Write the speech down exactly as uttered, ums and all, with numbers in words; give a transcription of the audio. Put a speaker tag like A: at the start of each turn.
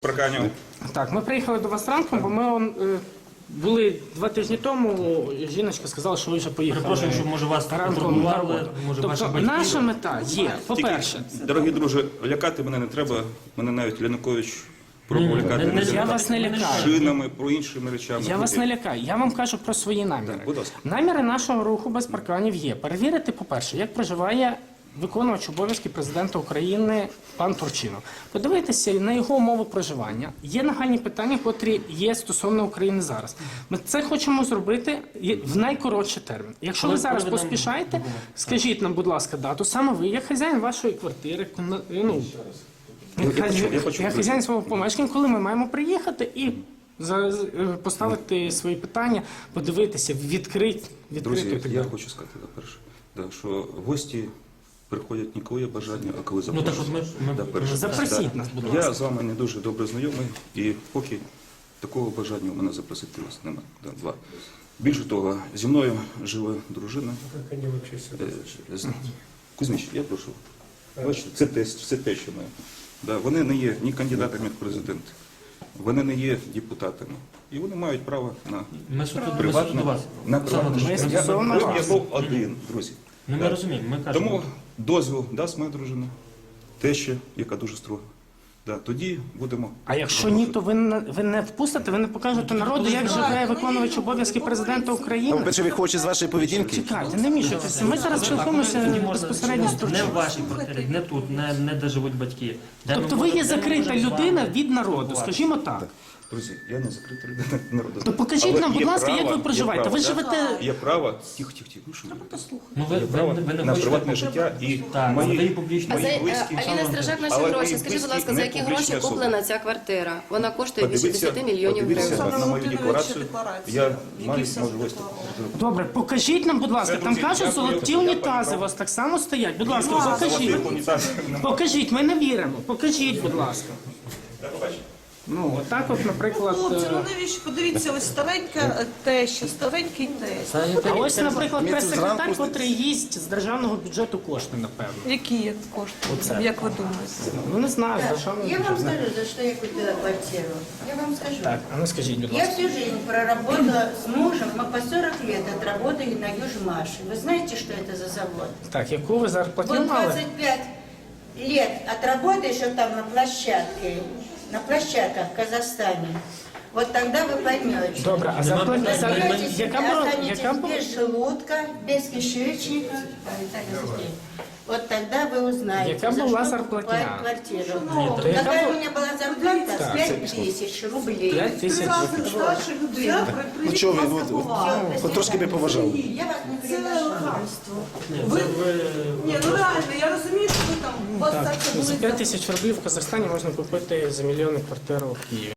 A: Парканів.
B: Так, ми приїхали до вас ранком, бо ми он, е, були два тижні тому, жіночка сказала, що ви вже поїхали.
C: Перепрошую, що, може, вас
B: ранком на
C: турбували,
B: роботу.
C: може, ваші
B: Тобто
C: батьки.
B: наша мета є, по-перше,
A: Тільки, дорогі друже, лякати мене не треба. Мене навіть Янукович пробував лякати
C: не- не-
A: не
B: я вас не лякаю.
A: шинами, про іншими речами.
B: Я вас не лякаю, я вам кажу про свої наміри.
A: Так, будь ласка.
B: Наміри нашого руху без парканів є. Перевірити, по-перше, як проживає виконувач обов'язки президента України пан Турчинов. Подивитися на його умови проживання. Є нагальні питання, котрі є стосовно України зараз. Ми це хочемо зробити в найкоротший термін. Якщо ви
C: Коли
B: зараз
C: проведемо
B: поспішаєте,
C: документи?
B: скажіть нам, будь ласка, дату. Саме ви, як хазяїн вашої квартири, ну,
A: Я почув, я почув.
B: як хазяїн свого помешкання, коли ми маємо приїхати і за- з- е, поставити свої питання, подивитися, відкрити, відкрити.
A: Друзі,
B: так
A: я
B: далі.
A: хочу сказати, по-перше, да, що гості приходять не коли є бажання, а коли
C: Ну так
A: запрошують.
C: от ми, ми
A: Да, перше.
B: Запросіть
A: Да.
B: нас, будь
A: Я
B: ласка.
A: з вами не дуже добре знайомий, і поки такого бажання у мене запросити вас немає. Да, два. Більше того, зі мною живе дружина. Е, з- Кузьміч, я прошу. Бачите, це тест, це те, що ми. Да, вони не є ні кандидатами в президенти, вони не є депутатами. І вони мають право на
C: ми суто, ми суто
A: приватне,
C: до вас.
A: на
C: Олександр
A: приватне
C: Анатолійович,
A: життя. Я,
B: стосовно
A: я,
B: вас.
A: я був один, друзі.
C: Ну, ми
A: Да.
C: розуміємо, ми кажемо.
A: Тому дозвіл дасть моя дружина, теща, яка дуже строга. Да, тоді будемо.
B: А якщо ні, то ви не, ви не впустите, ви не покажете народу, як живе виконувач обов'язки президента
D: А
B: України.
D: по-перше, ви хочете з вашої поведінки?
B: Чекайте, не мішайтеся. Ми зараз
C: Тоді
B: спілкуємося
C: можна
B: безпосередньо з
C: не в
B: Турчином.
C: вашій квартирі, не тут, не, не де живуть батьки. Де
B: Тобто
C: ми
B: ви
C: можемо-
B: є
C: де ми
B: закрита
C: можемо з вами
B: людина від народу,
C: спілкуватися.
B: скажімо так.
A: Друзі, я не закрита людина народу.
B: То покажіть
A: Але
B: нам, будь
A: є
B: ласка, як
A: право-
B: ви проживаєте.
A: є
B: Ви
A: право,
B: живете-
A: да, Є право, тихо, тихо, тихо, ну що ви?
C: Ну, ви,
A: Є
C: ви,
A: право
C: ви, ви не
A: на
C: хочете
A: приватне життя і
C: Так,
A: мої,
C: задаю публічно.
E: А за,
A: мої
E: е,
A: близькі.
E: Аліна Стражак, наші
A: Але
E: гроші.
A: мої
E: Скажіть, будь
A: близькі
E: ласка, за
A: не
E: які
A: публічні
E: гроші
A: особи.
E: куплена ця квартира? Вона коштує більше
A: Подивіться,
E: десять мільйонів
A: подивіться
E: гривень.
A: на мою
F: Олександр
A: декларацію.
F: Володимирович,
A: Я
F: декларацію,
A: маю
F: які
A: можливість.
B: Добре, покажіть нам, будь ласка, там
A: Друзі,
B: кажуть,
A: дякую.
B: золоті
A: Я
B: унітази у
A: пані
B: вас так само стоять. Будь ласка,
A: Золотих
B: покажіть.
A: унітазів немає.
B: Покажіть, ми не віримо. Покажіть, будь ласка. Ну, отак от, наприклад.
F: Хлопці,
B: е,
F: ну навіщо? Подивіться, ось старенька е, теща, старенький тесть.
C: Це не
B: А
C: те.
B: ось, наприклад,
D: Ми тут
B: прес-секретар,
D: зранку-
B: котрий їсть з державного бюджету кошти, напевно.
F: Які є кошти, як ви думаєте?
B: Ну, не знаю, з державного
G: Я вам
B: бюджету.
G: скажу, за что я купила квартиру. Я вам скажу.
B: Так, а ну скажіть, будь
G: Я
B: ласка.
G: всю жизнь проработала с мужем, мы по сорок лет отработали на Южмаше. Вы знаете, что это за завод?
B: Так, яку ви зарплату
G: Вот
B: мали?
G: двадцать пять лет отработаешь вот там на площадке, на площадках в Казахстане. Вот тогда вы поймете.
B: Добре, а зарплата,
G: Разберетесь,
B: яка була,
G: останетесь
B: яка була?
G: без желудка, без кишечника. Ой, так, Сергей. Вот тогда вы узнаете,
B: Яка
G: за
B: була
G: что
B: зарплатня?
G: покупать квартиру.
B: то яка
G: Какая
B: була-
G: у меня была зарплата? пять тысяч рублей.
B: п'ять тисяч.
F: Старша людина.
D: Ну чого ви, от, от, от трошки би поважали.
G: Я вас не приглашала.
F: Ви, ні, ну реально, я розумію, що ви там, у вас так це
B: За
F: були
B: п'ять тисяч рублів в Казахстані можна купити за мільйонну квартиру в Києві.